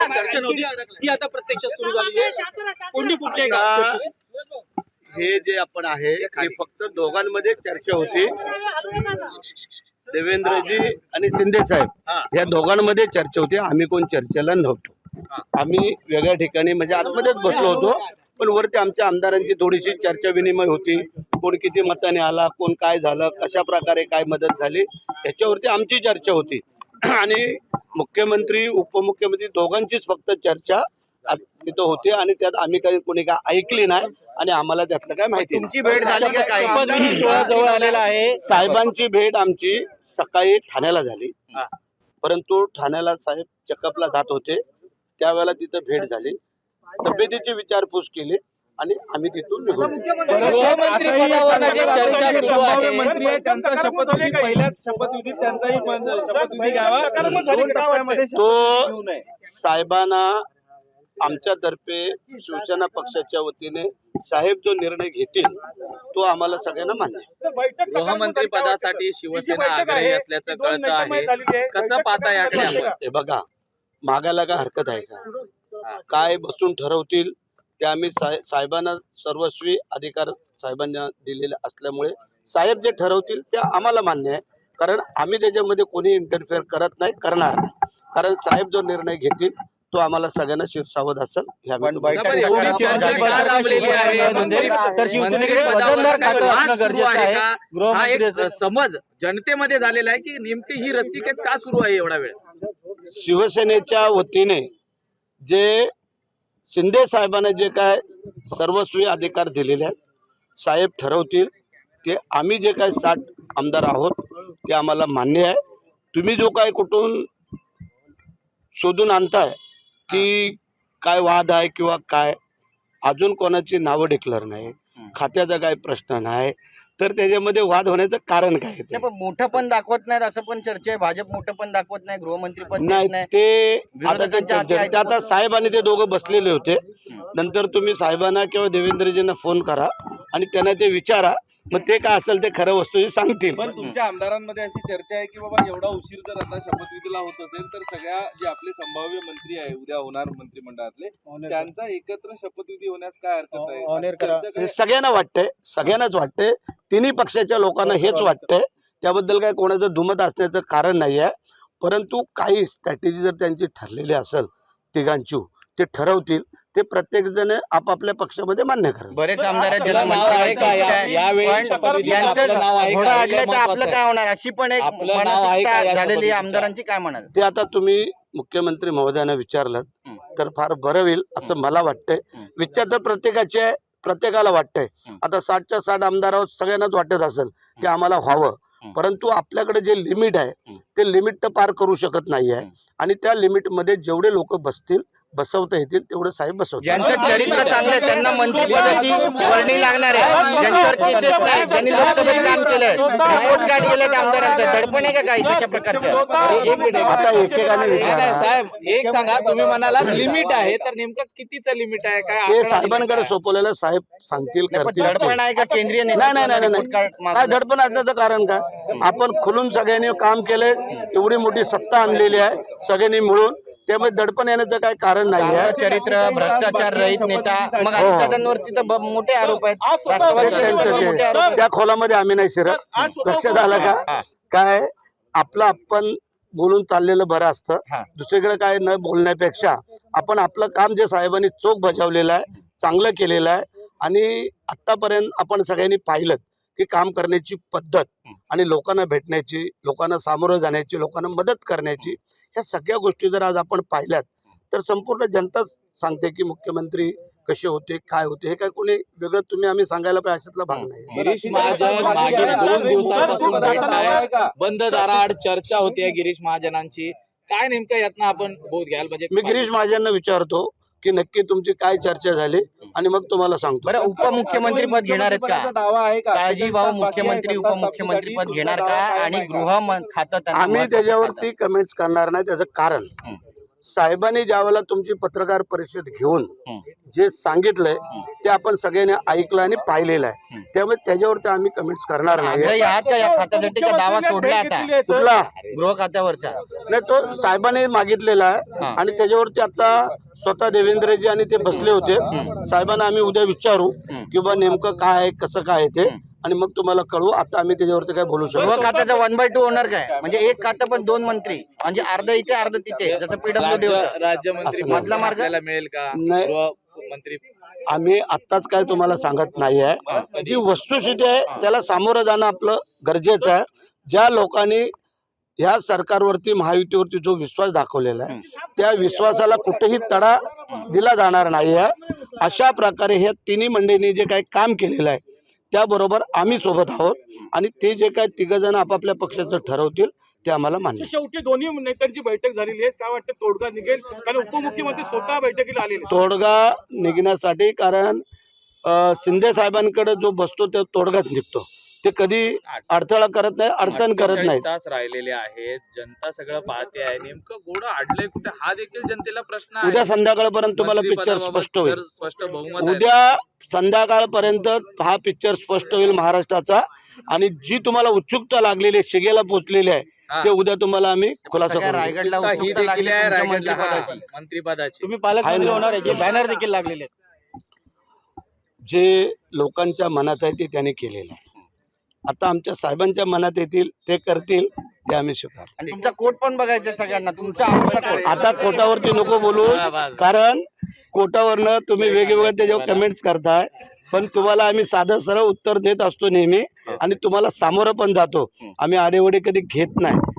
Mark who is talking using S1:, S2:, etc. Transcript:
S1: चर्चा नव्हती ती आता प्रत्यक्षात सुरू झाली आहे. कोणी कुठले का
S2: हे जे आपण आहे हे फक्त दोघांमध्ये चर्चा होती. देवेंद्रजी आणि शिंदे साहेब या दोघांमध्ये चर्चा होती. आम्ही कोण चर्चेला नव्हतो. आम्ही वेगळ्या ठिकाणी म्हणजे आतमध्येच बसलो होतो. पण वरती आमच्या आमदारांची थोडीशी चर्चा विनिमय होती. कोण किती मताने आला, कोण काय झालं, कशा प्रकारे काय मदत झाली याच्यावरती आमची चर्चा होती. आणि मुख्यमंत्री उपमुख्यमंत्री दोघांचीच फक्त चर्चा तिथं होती आणि त्यात आम्ही काही कोणी काय ऐकली नाही आणि आम्हाला त्यातलं काय माहिती.
S1: तुमची भेट झाली का? काय शपथविधी सोहळा जवळ आलेला आहे.
S2: साहेबांची भेट आमची सकाळी ठाण्याला झाली. परंतु ठाण्याला साहेब चेकअपला जात होते त्यावेळेला तिथं भेट झाली. तब्येतीची विचारपूस केली आणि आम्ही तिथून निघून
S3: मंत्री आहे त्यांचा शपथविधी पहिल्याच शपथविधीत त्यांचाही शपथविधी घ्यावा. दोन टप्प्यामध्ये
S2: तो साहेबांना आमच्यातर्फे शिवसेना पक्षाच्या वतीने साहेब जो निर्णय घेतील तो आम्हाला सगळ्यांना मान्य आहे.
S1: गृहमंत्री पदासाठी शिवसेना आग्रही असल्याचं कळतं आहे. कसं पाहता याकडे आपण?
S2: हे बघा, मागायला काय हरकत आहे का? काय बसून ठरवतील ते आम्ही साहेबांना सर्वस्वी अधिकार साहेबांना दिलेले असल्यामुळे साहेब जे ठरवतील ते आम्हाला मान्य आहे. कारण आम्ही त्याच्यामध्ये कोणी इंटरफेअर करत नाही, करणार नाही. कारण साहेब जो निर्णय घेतील तो आम्हाला सगळ्यांना शिरसावत असेल.
S1: समज जनतेमध्ये झालेला आहे की नेमकी ही रस्सीखेच का सुरू आहे एवढा वेळ?
S2: शिवसेनेच्या वतीने जे शिंदे साहेबांना जे काय सर्वस्वी अधिकार दिलेले आहेत साहेब ठरवतील ते. आम्ही जे काय 60 आमदार आहोत ते आम्हाला मान्य आहे. तुम्ही जो काय कुठून शोधून आणताय की काय वाद आहे किंवा काय, अजून कोणाची नावं डिक्लेअर नाही, खात्याचा काय प्रश्न नाही, तर त्याच्यामध्ये वाद होण्याचं कारण काय?
S1: मोठं पण दाखवत नाहीत असं पण चर्चा आहे. भाजप मोठं पण दाखवत नाही, गृहमंत्री पण
S2: नाही. ते आता साहेब आणि ते दोघं बसलेले होते. नंतर तुम्ही साहेबांना किंवा देवेंद्रजींना फोन करा आणि त्यांना ते विचारा, मग ते काय असेल ते खरं वस्तू सांगतील.
S3: पण तुमच्या आमदारांमध्ये अशी चर्चा आहे की बाबा एवढा उशीर जर आता शपथविधीला होत असेल तर सगळ्या जे आपले संभाव्य मंत्री आहे उद्या होणार मंत्रिमंडळातले त्यांचा एकत्र शपथविधी होण्यास काय हरकत आहे?
S2: सगळ्यांना वाटतंय, सगळ्यांनाच वाटतंय. तिन्ही पक्षाच्या लोकांना हेच वाटतंय. त्याबद्दल काय कोणाचं दुमत असण्याचं कारण नाही आहे. परंतु काही स्ट्रॅटेजी जर त्यांची ठरलेली असेल तिघांची, ते ठरवतील ते प्रत्येक जण आपापल्या पक्षामध्ये मान्य करेल.
S1: बरेच आमदार आपलं काय होणार अशी पण एक मानसिकता झालेली आमदारांची, काय म्हणाल
S2: ते आता तुम्ही मुख्यमंत्री महोदयांना विचारलं तर फार बरं होईल असं मला वाटतंय. विचार तर प्रत्येकाचे आहे, प्रत्येकाला वाटतंय. आता 60च्या 60 आमदारावर सगळ्यांनाच वाटत असेल की आम्हाला व्हावं. परंतु आपल्याकडे जे लिमिट आहे ते लिमिट तर पार करू शकत नाही आहे. आणि त्या लिमिटमध्ये जेवढे लोक बसवता येतील तेवढे साहेब बसवतात.
S1: ज्यांचं चरित्र चांगलं त्यांना मंत्रिपदाची वर्णी लागणार आहे. ज्यांच्यावर केसेस नाही, ज्यांनी लोकसभेत काम केलंय, रिपोर्ट कार्ड गेलं त्या आमदारांचं, दडपण आहे का काही तशा प्रकारचं?
S2: आता एकेकाने विचारा.
S1: साहेब एक सांगा, तुम्ही म्हणाला लिमिट आहे, तर नेमकं कितीचं लिमिट आहे? काय
S2: ते साहेबांकडे सोपवलेलं साहेब सांगतील, करतील.
S1: दडपण आहे का केंद्रीय
S2: नाही. काय दडपण असण्याचं कारण काय? आपण खुलून सगळ्यांनी काम केलंय, एवढी मोठी सत्ता आणलेली आहे सगळ्यांनी मिळून, त्यामुळे दडपण येण्याचं काही कारण नाही आहे.
S1: चरित्र, भ्रष्टाचार रहित नेता, मग दादांवरती तर मोठे आरोप आहेत.
S2: त्या खोलामध्ये आम्ही नाही शिरत. लक्षात आलं का? काय आपलं आपण बोलून चाललेलं बरं असतं. दुसरीकडे काय न बोलण्यापेक्षा आपण आपलं काम जे साहेबांनी चोख बजावलेलं आहे, चांगलं केलेलं आहे. आणि आतापर्यंत आपण सगळ्यांनी पाहिलं की काम करण्याची पद्धत आणि लोकांना भेटण्याची, लोकांना सामोरं जाण्याची, लोकांना मदत करण्याची, ह्या सगळ्या गोष्टी जर आज आपण पाहिल्यात तर संपूर्ण जनता सांगते की मुख्यमंत्री कसे होते, काय होते. हे काय कोणी वेगळं तुम्ही आम्ही सांगायला पाहिजे अशातला भाग नाही.
S4: गिरीश महाजन मागील 2 दिवसांपासून बंद दाराआड चर्चा होते गिरीश महाजनांची. काय नेमकं यातनं आपण बोध घ्याल? म्हणजे
S2: मी गिरीश महाजनांना विचारतो की नक्की तुमची काय चर्चा झाली आणि मग तुम्हाला सांगतो.
S1: बरं, उपमुख्यमंत्री पद घेणार आहेत का?
S3: दावा आहे का?
S1: काळजी भाऊ मुख्यमंत्री उपमुख्यमंत्री पद घेणार का? आणि गृह खातं
S2: आम्ही त्याच्यावरती कमेंट्स करणार नाही. त्याचं कारण साहेबांनी ज्यावेळेला तुमची पत्रकार परिषद घेऊन जे सांगितलंय ते आपण सगळ्यांनी ऐकलं आणि पाहिलेलं आहे, त्यामुळे त्याच्यावरती आम्ही कमेंट्स करणार नाही.
S1: आग्रही आहात का या खात्यासाठी का दावा सोडला आता
S2: कुठला
S1: गृह खात्यावरचा?
S2: नाही, तो साहेबांनी मागितलेला आहे आणि त्याच्यावरती आता स्वतः देवेंद्रजी आणि ते बसले होते. साहेबांना आम्ही उद्या विचारू की बा नेमकं काय आहे, कसं काय आहे ते, आणि मग तुम्हाला कळवू. आता आम्ही त्याच्यावरती काय बोलू शकतो.
S1: गृह खात्याचा 1/2 होणार काय? म्हणजे एक खातं पण 2 मंत्री, म्हणजे अर्ध इथे अर्ध तिथे, जसं पीडब्ल्यूडी होतं.
S4: राज्यमंत्री
S2: असं
S1: मधला मार्ग
S4: आपल्याला मिळेल का?
S2: नाही.
S4: गृहमंत्री
S2: आम्ही आत्ताच काय तुम्हाला सांगत नाही आहे. जी वस्तुस्थिती आहे त्याला सामोरं जाणं आपलं गरजेचं आहे. ज्या लोकांनी ह्या सरकारवरती महायुतीवरती जो विश्वास दाखवलेला आहे त्या विश्वासाला कुठेही तडा दिला जाणार नाही आहे. अशा प्रकारे ह्या तिन्ही मंडळींनी जे काही काम केलेलं आहे त्याबरोबर आम्ही सोबत आहोत आणि ते जे काही तिघजण आपापल्या पक्षाचं ठरवतील ते आम्हाला मान्य.
S5: शेवटी दोन्ही नेत्यांची बैठक झालेली आहे, काय वाटतं तोडगा निघेल? कारण उपमुख्यमंत्री स्वतः बैठकीला आलेले.
S2: तोडगा निघण्यासाठी, कारण शिंदे साहेबांकडे जो बसतो तो तोडगाच निघतो. ते कधी अडथळा करत नाही, अडचण करत नाही.
S4: तास राहिलेले आहेत, जनता सगळं पाहते आहे, नेमकं घोडं अडलंय कुठे हा देखील जनतेला प्रश्न आहे.
S2: उद्या संध्याकाळपर्यंत तुम्हाला पिक्चर स्पष्ट होईल.
S4: स्पष्ट बहुमत आहे.
S2: उद्या संध्याकाळपर्यंत हा पिक्चर स्पष्ट होईल महाराष्ट्राचा, आणि जी तुम्हाला उत्सुकता लागलेली आहे, शिगेला पोहोचलेली आहे, ते उद्या तुम्हाला आम्ही खुलासा
S1: सगळ्या
S2: करू.
S1: रायगडला
S4: ही
S1: उत्सुकता
S4: देखील
S1: लागली
S4: आहे
S1: तुमच्या
S4: रायगडला, हा,
S1: मंत्रिपदाची.
S4: मंत्रिपदाची.
S5: तुम्ही पालकमंत्री होणार आहे, बॅनर देखील लागलेले आहेत.
S2: जे लोकांच्या मनात आहे ते त्यांनी केलेलं आहे. आता आमच्या साहेबांच्या मनात येतील ते करतील, ते आम्ही स्वीकार.
S1: आणि तुमचा कोट पण बघायचा सगळ्यांना, तुमचा आवडता कोट.
S2: आता कोटावरती नको बोलू, कारण कोटावरनं तुम्ही वेगवेगळ्या त्याच्यावर कमेंट्स करताय, पण तुम्हाला आम्ही साधं सरळ उत्तर देत असतो नेहमी, आणि तुम्हाला सामोरं पण जातो. आम्ही आडेवडे कधी घेत नाही.